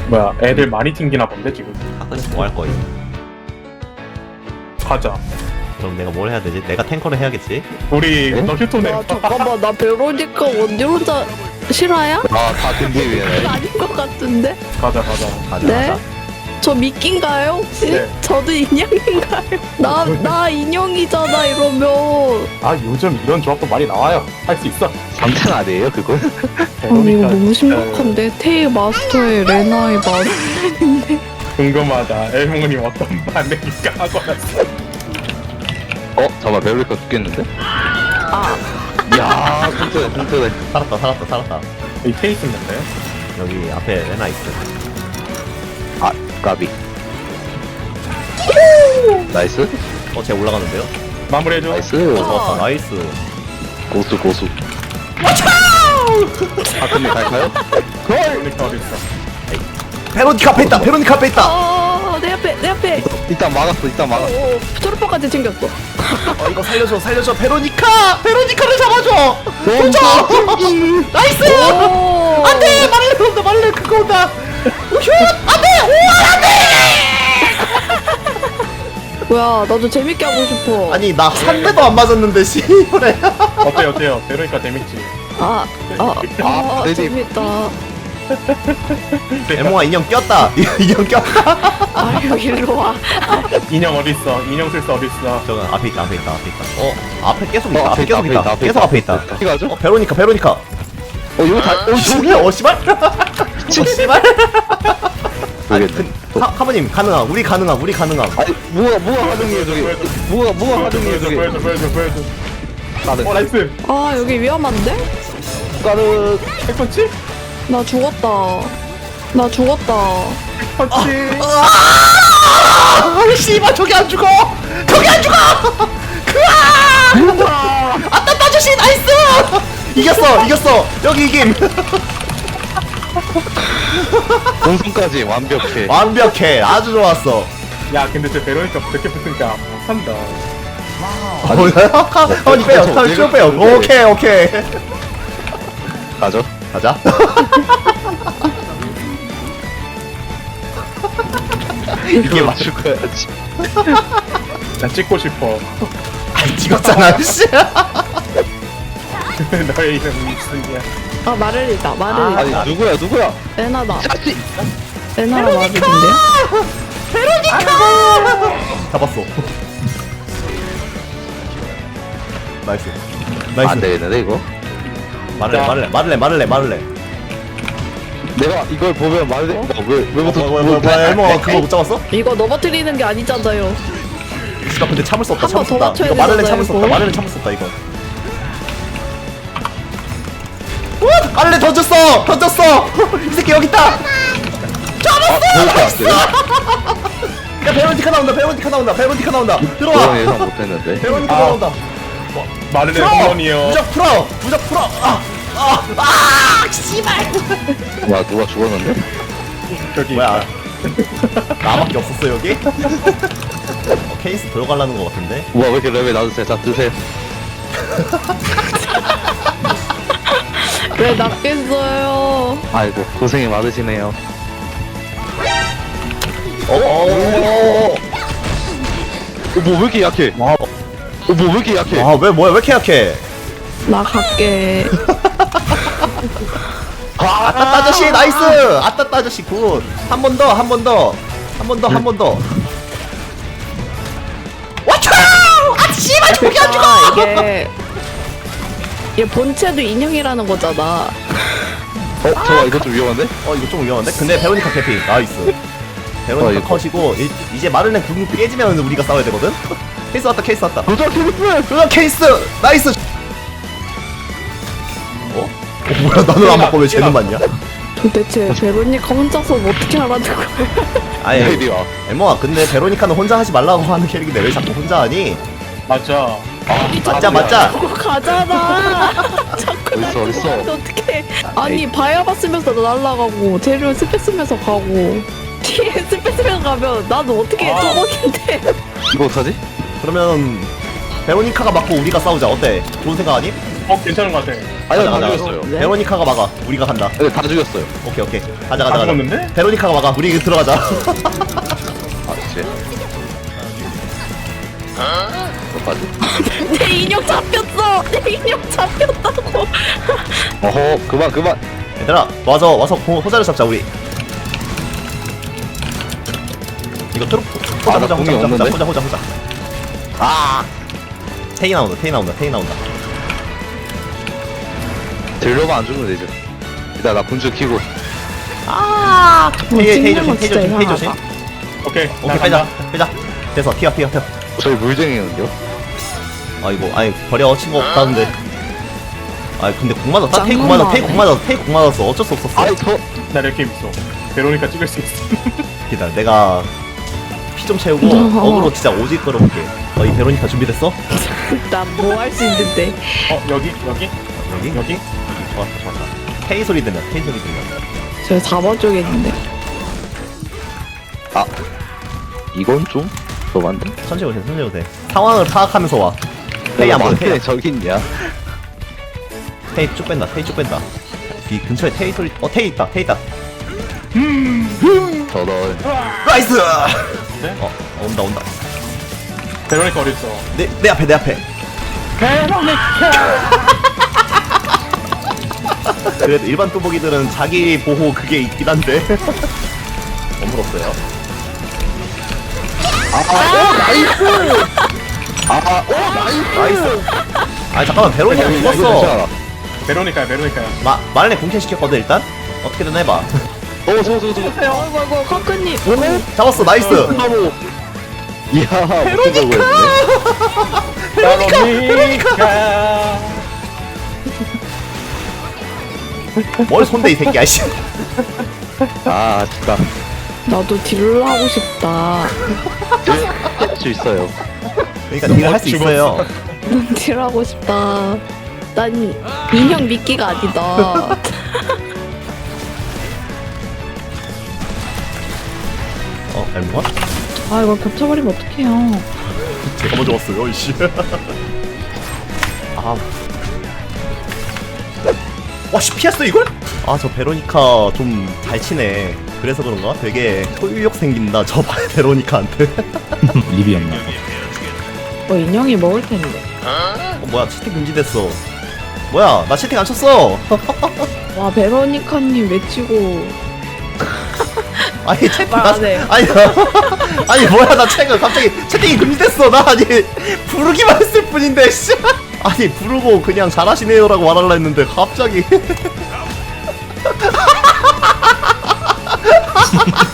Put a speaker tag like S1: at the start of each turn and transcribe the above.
S1: 뭐야, 애들 많이 튕기나 본데 지금.
S2: 사건에서 뭐 할 거임?
S1: 가자.
S2: 그럼 내가 뭘 해야 되지? 내가 탱커를 해야겠지?
S1: 우리 너 휴톤에
S3: 아 잠깐만 나 베로니카 언제 혼자 실화야?
S4: 아다 근데 왜
S3: 아닌 것 같은데?
S1: 가자 가자.
S2: 가자
S3: 네?
S2: 가자.
S3: 저 미끼인가요 혹시?
S1: 네.
S3: 저도 인형인가요? 나 인형이잖아 이러면.
S1: 아 요즘 이런 조합도 많이 나와요. 할 수 있어.
S4: 장난 아니에요 그거?
S3: 아니 이거 너무 심각한데? 테이 마스터의 레나의 마스터인데?
S1: 궁금하다. 엘몽님 어떤 반응일까 하고 왔어.
S4: 잠깐만 베로니카 죽겠는데?
S3: 아
S4: 이야 튼튼해
S2: 살았다.
S1: 이 페이스 있는데요?
S2: 여기 앞에 레나 있어.
S4: 아 까비 나이스
S2: 쟤 올라가는데요?
S1: 마무리해줘.
S4: 나이스
S2: 좋았다. 나이스.
S4: 고수 아 근데 갈까요?
S1: 그러니까 어딨어.
S2: 베로니카 앞에 있다. 베로니카 앞에 있다.
S3: 내 앞에
S4: 일단 막았어
S3: 초록파까지 챙겼어.
S2: 이거 살려줘. 베로니카를 잡아줘. 도저. 나이스.
S3: 오
S2: 안돼. 말래 그거 온다. 슛.
S3: 뭐야 나도 재밌게 하고 싶어.
S2: 아니 나 한 대도 안 맞았는데 씨발에.
S1: 어때요? 베로니카 재밌지?
S4: 네네.
S3: 재밌다.
S2: 에몽아 인형 꼈다. 인형 꼈다.
S3: 아유 일로 와.
S1: 인형 어딨어? 인형 쓸 수 어딨어?
S2: 저건 앞에 있다. 앞에 계속 있다.
S4: 앞에 있다,
S2: 계속 앞에 있다.
S4: 어디 가죠?
S2: 베로니카.
S4: 이거 다
S2: 저게 씨발. 씨발. 아니
S4: 모르겠네.
S2: 카모님 가능함. 우리 가능함.
S4: 아니 뭐가 가능해요 저기 뭐가 가능해요 저기
S1: 보여줘.
S4: 가능
S1: 나이스.
S3: 아 여기 위험한데?
S4: 가능
S1: 핵펀치?
S3: 나 죽었다.
S1: 펀치.
S2: 씨발 저기 안 죽어. 아따 아저씨 나이스. 이겼어. 여기 이김.
S4: 본선까지 완벽해
S2: 완벽해. 아주 좋았어.
S1: 야 근데 저 베로니카 그렇게 붙으니까 못한다.
S2: 카모님 빼요. 쭉 빼요. 오케이.
S4: 가죠
S2: 가자. 이게 맞.
S4: 죽어야지
S1: 나 찍고 싶어.
S2: 찍었잖아. 씨.
S1: 너의 이름이 무슨이야?
S3: 아 마를리다.
S4: 아니 누구야
S3: 레나다.
S4: 자식
S3: 레나가 마를인데요?
S2: 잡았어. 나이스.
S4: 안 되겠는데 이거
S2: 마를레.
S4: 내가 이걸 보면 말해 왜부터
S2: 뭐야 그거 못 잡았어?
S3: 이거 넘어뜨리는 게 아니잖아요.
S2: 나 근데 참을 수 없다.
S3: 한번더 맞춰야
S2: 이거 마를레
S3: 되잖아요, 이거.
S2: 마를레 참을 수 없다 이거. 마를레 던졌어. 이 새끼 여기 있다. 야 베로니카 나온다. 들어와.
S4: 그건 예상 못했는데
S2: 베로니카
S1: 아.
S2: 나온다.
S1: 마르네 후원이요.
S2: 무적 풀어. 씨발.
S4: 누가 죽었는데?
S1: 저기
S2: 뭐야? 나밖에 없었어 여기? 케이스 들어가려는 거 같은데?
S4: 우와 왜 이렇게 레벨 낮으세요 자 드세요
S3: 왜 낫겠어요?
S4: 아이고 고생이 많으시네요
S2: 어.
S4: 뭐 왜 이렇게 약해 뭐 왜 이렇게 약해
S2: 왜 이렇게 약해?
S3: 나 갈게.
S2: 아따 아저씨 나이스! 아따 아저씨 굿! 한 번 더. 와차! 아 씨발 저기 안 죽어!
S3: 이게 얘 본체도 인형이라는 거잖아.
S4: 잠깐 이거 좀 위험한데?
S2: 이거 좀 위험한데? 근데 베로니카 캐피 나이스. 베로니카
S4: 이거.
S2: 컷이고 이제 마를렌 궁 깨지면 우리가 싸워야 되거든? 케이스 왔다.
S4: 도전 케이스!
S2: 도전 케이스! 나이스! 뭐야 나는 안 맞고 왜 쟤는 맞냐?
S3: 도대체 베로니카 혼자서 뭐 어떻게 하라는 거야?
S2: 아니
S4: 이리 와
S2: 엠모아 근데 베로니카는 혼자 하지 말라고 하는 캐릭인데 왜 자꾸 혼자 하니?
S1: 맞아.
S2: 맞자
S3: 그거 가잖아. 자꾸
S4: 어딨어
S3: 어떻게? 아니 바야바 쓰면서 날아가고 재료 스페 쓰면서 가고 뒤에 스페 쓰면서 가면 나도 어떻게
S1: 아.
S3: 쪼먹인데?
S4: 이거 어떡하지?
S2: 그러면 베로니카가 맞고 우리가 싸우자 어때? 좋은 생각 아니?
S1: 괜찮은 것 같아.
S4: 아니요, 다
S2: 가자, 가자.
S4: 죽였어요.
S3: 네?
S2: 베로니카가 막아. 우리가 간다.
S4: 네, 다 죽였어요.
S2: 오케이 오케이. 가자
S1: 다
S2: 가자 가자.
S1: 죽었는데?
S2: 베로니카가 막아. 우리 들어가자.
S4: 아, 쟤. 어떡하지?
S3: 내 인형 잡혔어. 내 인형 잡혔다고.
S4: 어허, 그만.
S2: 얘들아 와서 호자를 잡자 우리. 이거 트로
S4: 아, 나 공이 없는데?
S2: 호자.
S4: 아!
S2: 테이 나온다.
S4: 딜러만 안 죽으면 되죠. 일단 나 군주 키고.
S2: 테이
S3: 찍는 거 진짜
S2: 조심.
S3: 이상하다.
S1: 오케이.
S2: 오케이 빼자. 됐어. 튀어.
S4: 저희 물쟁이는요?
S2: 아니 버려 친구 없다는데. 근데 공 맞았다. 테이 공 맞았어. 어쩔 수 없었어.
S4: 아이,
S1: 나 이렇게 있어. 베로니카 찍을 수 있어.
S2: 기다려. 내가 피 좀 채우고 어그로 진짜 오직 끌어볼게. 이 베로니카 준비됐어?
S3: 나 뭐 할 수 있는데.
S1: 여기?
S2: 여기? 좋았다. 테이 소리 들려.
S3: 저 4번 쪽에 있는데.
S4: 아. 이건 좀? 너만데?
S2: 천천히 오세요. 상황을 파악하면서 와. 테이 안 보여.
S4: 테이 저기 있냐?
S2: 테이 쭉 뺀다. 이 근처에 테이 소리. 테이 있다.
S4: 저런.
S2: 나이스.
S1: 네?
S2: 온다.
S1: 베로니카 어딨어?
S2: 내 앞에. 그래도 일반 뚜벅이들은 자기 보호 그게 있긴 한데. 어물었어요. 나이스. 잠깐만 베로니카 죽었어.
S1: 베로니카야.
S2: 말레 공캔 시켰거든 저거. 어떻게든 해봐.
S3: 아이고 카크님.
S2: 잡았어. 나이스.
S4: 이야, 베로니카!
S1: 베로니카.
S2: 뭘 손대 이 새끼야. 씨.
S4: 아, 진짜.
S3: 나도 딜을 하고 싶다.
S4: 할수 있어요.
S2: 그러니까 딜을 할 수 있어요.
S3: 난 딜하고 싶다. 난 인형 미끼가 아니다.
S2: 알모가?
S3: 아 이거 겹쳐버리면 어떡해요.
S2: 제가 먼저 왔어요. 이씨. 와씨 피했어 이걸? 저 베로니카 좀 잘 치네. 그래서 그런가? 되게 소유욕 생긴다. 저 베로니카한테.
S5: 리비였나?
S3: 인형이 먹을 텐데.
S2: 뭐야 채팅 금지됐어. 뭐야 나 채팅 안 쳤어.
S3: 와 베로니카님 외치고.
S2: 아니 채팅
S3: 말 안 해.
S2: 아니 뭐야 나 갑자기 채팅이 금지됐어. 나 부르기만 했을 뿐인데 씨. 부르고 그냥 잘하시네요라고 말하려 했는데 갑자기